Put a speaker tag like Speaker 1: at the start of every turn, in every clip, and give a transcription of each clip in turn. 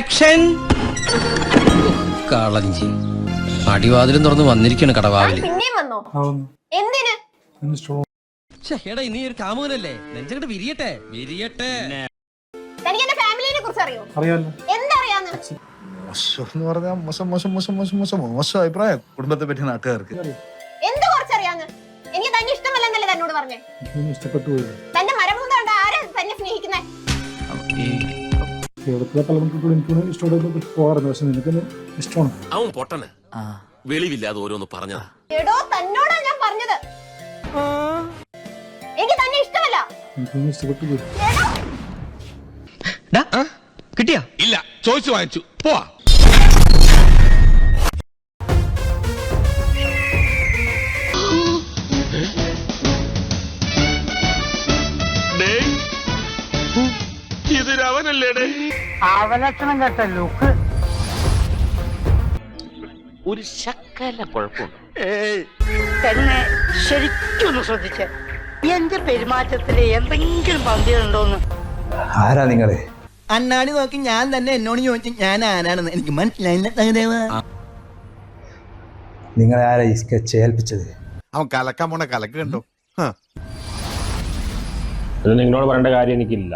Speaker 1: Action. കളഞ്ഞി അടിവാതിലും തുറന്ന് വന്നിരിക്കാണ് കടവാവില്. എടാ ഇനി ഒരു കാമുകനല്ലേ, നെഞ്ചങ്ങട്ട് വിരിയട്ടെ വിരിയട്ടെ.
Speaker 2: മോശം അഭിപ്രായം കുടുംബത്തെ പറ്റി നാട്ടുകാർക്ക്.
Speaker 3: കേരളത്തിലെ പല മക്കൾക്കും എനിക്ക് ഇഷ്ടമുള്ള പോകാറുണ്ട്. പക്ഷെ നിനക്ക് ഇഷ്ടമാണ്.
Speaker 4: അവൻ പൊട്ടന് വെളിവില്ലാതെ ഓരോന്ന് പറഞ്ഞതാ.
Speaker 3: എനിക്കൊന്നും ഇഷ്ടപ്പെട്ടു പോയി.
Speaker 1: കിട്ടിയാ
Speaker 4: ഇല്ല, ചോദിച്ചു വാങ്ങിച്ചു പോവാ. ഇതൊരവനല്ലേടേ,
Speaker 5: അവലക്ഷണം കേട്ട ലുക്ക്
Speaker 4: ഒരു ശക്കല കുഴപ്പമുണ്ട്.
Speaker 5: തന്നെ ശരിക്കൊന്ന് ശ്രദ്ധിച്ച എന്റെ പെരുമാറ്റത്തില് എന്തെങ്കിലും പന്തിയുണ്ടോന്ന്.
Speaker 2: ആരാ നിങ്ങള്?
Speaker 6: അണ്ണാടി നോക്കി ഞാൻ തന്നെ എന്നോട് ചോദിച്ചു ഞാൻ ആരാണെന്ന്. എനിക്ക് മനസ്സിലായില്ല.
Speaker 2: നിങ്ങളെ ആരാ ഈ സ്കെച്ച് ഏൽപ്പിച്ചത്?
Speaker 7: അവൻ കലക്കാൻ പോണ കലക്ക് കണ്ടോ?
Speaker 8: ഇത് നിങ്ങളോട് പറയേണ്ട കാര്യം എനിക്കില്ല.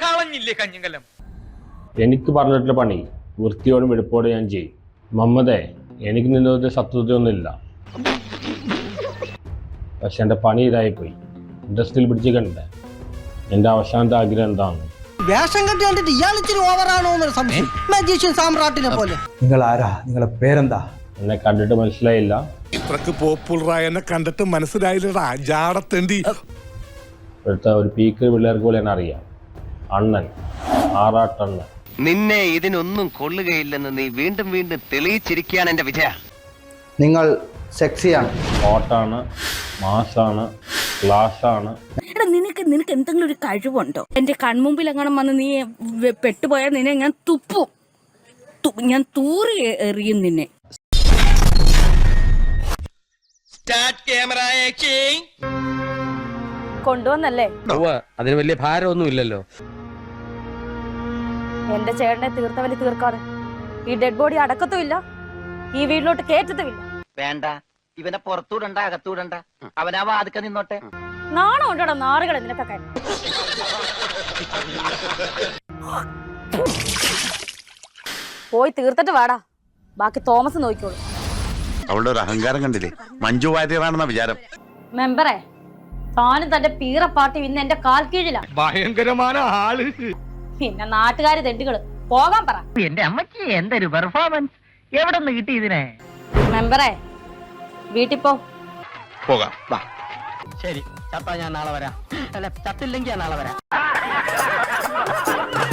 Speaker 8: എനിക്ക് പറഞ്ഞിട്ടുള്ള പണി വൃത്തിയോടും വെടുപ്പോടും ഞാൻ ചെയ്യും. മമ്മദേ, എനിക്ക് നിന്നൊരു ശത്രുതയൊന്നുമില്ല. പക്ഷെ എൻ്റെ പണി ഇതായിപ്പോയി. ഇൻഡസ്ട്രിയിൽ പിടിച്ച് കണ്ടേ. എൻ്റെ അവസാനത്തെ ആഗ്രഹം എന്താണ്?
Speaker 6: വേഷം കെട്ടി കണ്ടിട്ട് ഇയാൾ ഇച്ചിരി ഓവറാണോ എന്നൊരു സംശയം. മജീഷ്യൻ സാമ്രാട്ടിനെ പോലെ.
Speaker 2: നിങ്ങൾ ആരാ? നിങ്ങളെ പേരെന്താ?
Speaker 8: എന്നെ കണ്ടിട്ട് മനസ്സിലായില്ല.
Speaker 7: ഇത്രക്ക് പോപ്പുലറായ എന്നെ കണ്ടിട്ട് മനസ്സിലായില്ലടാ ജാടത്തേണ്ടി.
Speaker 8: ഇവിടുത്തെ ഒരു പീക്ക് പിള്ളേർക്ക് പോലെ എന്നെ അറിയാം. അണ്ണൻ, ആറാട്ടണ്ണൻ.
Speaker 9: നിന്നെ ഇതിനൊന്നും കൊള്ളുകയില്ലെന്ന് നീ വീണ്ടും വീണ്ടും തെളിയിച്ചിരിക്കുകയാണ് എന്റെ വിജയ.
Speaker 2: നിങ്ങൾ സെക്സിയാണ്,
Speaker 8: ഹോട്ടാണ്, മാസാണ്, ക്ലാസ്സാണ്.
Speaker 10: എടാ നിനക്ക് എന്തെങ്കിലും ഒരു കഴിവുണ്ടോ? എന്റെ കൺമുമ്പിൽ എങ്ങനെ വന്ന് നീ പെട്ടുപോയാൽ നിന്നെ ഞാൻ തുപ്പും. ഞാൻ തൂറി എറിയും നിന്നെ. കൊണ്ടുവന്നല്ലേ?
Speaker 1: അതിന് വലിയ ഭാരമൊന്നും ഇല്ലല്ലോ.
Speaker 10: എന്റെ ചേട്ടനെ തീർത്തവലി തീർക്കാതെ ഈ ഡെഡ് ബോഡി അടക്കത്തുമില്ല, ഈ വീട്ടിലോട്ട് കേറ്റത്തുമില്ല.
Speaker 9: വേണ്ട, ഇവനെ പുറത്തൂടണ്ട അകത്തൂടണ്ട, അവനാവാ അതൊക്കെ നിന്നോട്ടെ.
Speaker 10: നാണം ഉണ്ടോടാ നാറുകളെ നിനക്കൊക്കെ. പോയി തീർത്തിട്ട് വാടാ, ബാക്കി തോമസ് നോക്കിക്കോളൂ.
Speaker 7: അവളുടെ ഒരു അഹങ്കാരം കണ്ടില്ലേ? മഞ്ജു വാര്യറാണെന്ന വിചാരം.
Speaker 10: മെമ്പറെ, താനും തന്റെ പീറ പാർട്ടി ഇന്ന് എന്റെ കാൽ കീഴിലാ.
Speaker 4: ഭയങ്കരമായ ആള്.
Speaker 10: പിന്നെ നാട്ടുകാര് തെണ്ടുകള് പോകാൻ പറ.
Speaker 5: എന്റെ അമ്മച്ചി എന്തൊരു പെർഫോമൻസ്, എവിടെ നിന്ന് കിട്ടി ഇതിനെ?
Speaker 10: മെമ്പറെ, വീട്ടിൽ
Speaker 4: പോകാം.
Speaker 5: ശരി, ചത്താ ഞാൻ നാളെ വരാം. അല്ല, ചത്തില്ലെങ്കിൽ ഞാൻ നാളെ വരാം.